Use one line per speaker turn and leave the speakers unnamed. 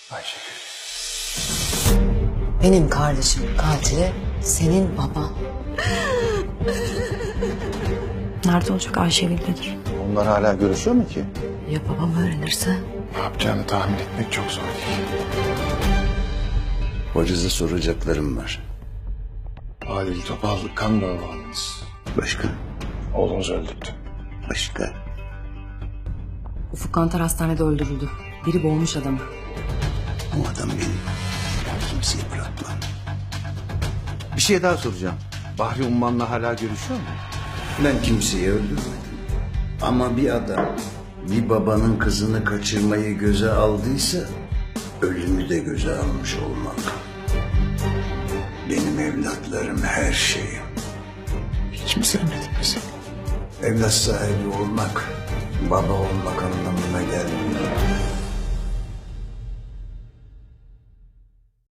Ayşegül.
Benim kardeşim katili senin baban.
Nerede olacak? Ayşegül'dedir.
Onlar hala görüşüyor mu ki?
Ya babam öğrenirse?
Ne yapacağını tahmin etmek çok zor değil.
Hoca'za soracaklarım var.
Adil Topal kan davamız.
Başka?
Oğlunuzu öldürdü.
Başka?
Ufuk Kantar hastanede öldürüldü. Biri boğmuş adamı.
O adam benim. Ben kimseyi bırakmam.
Bir şey daha soracağım. Bahri Umman'la hala görüşüyor mu?
Ben kimseyi öldürmedim. Ama bir adam bir babanın kızını kaçırmayı göze aldıysa ölümü de göze almış olmalı. Benim evlatlarım her şeyim.
Hiç mi sevmedin bizi?
Evlat sahibi olmak baba olmak anlamına gelmiyor.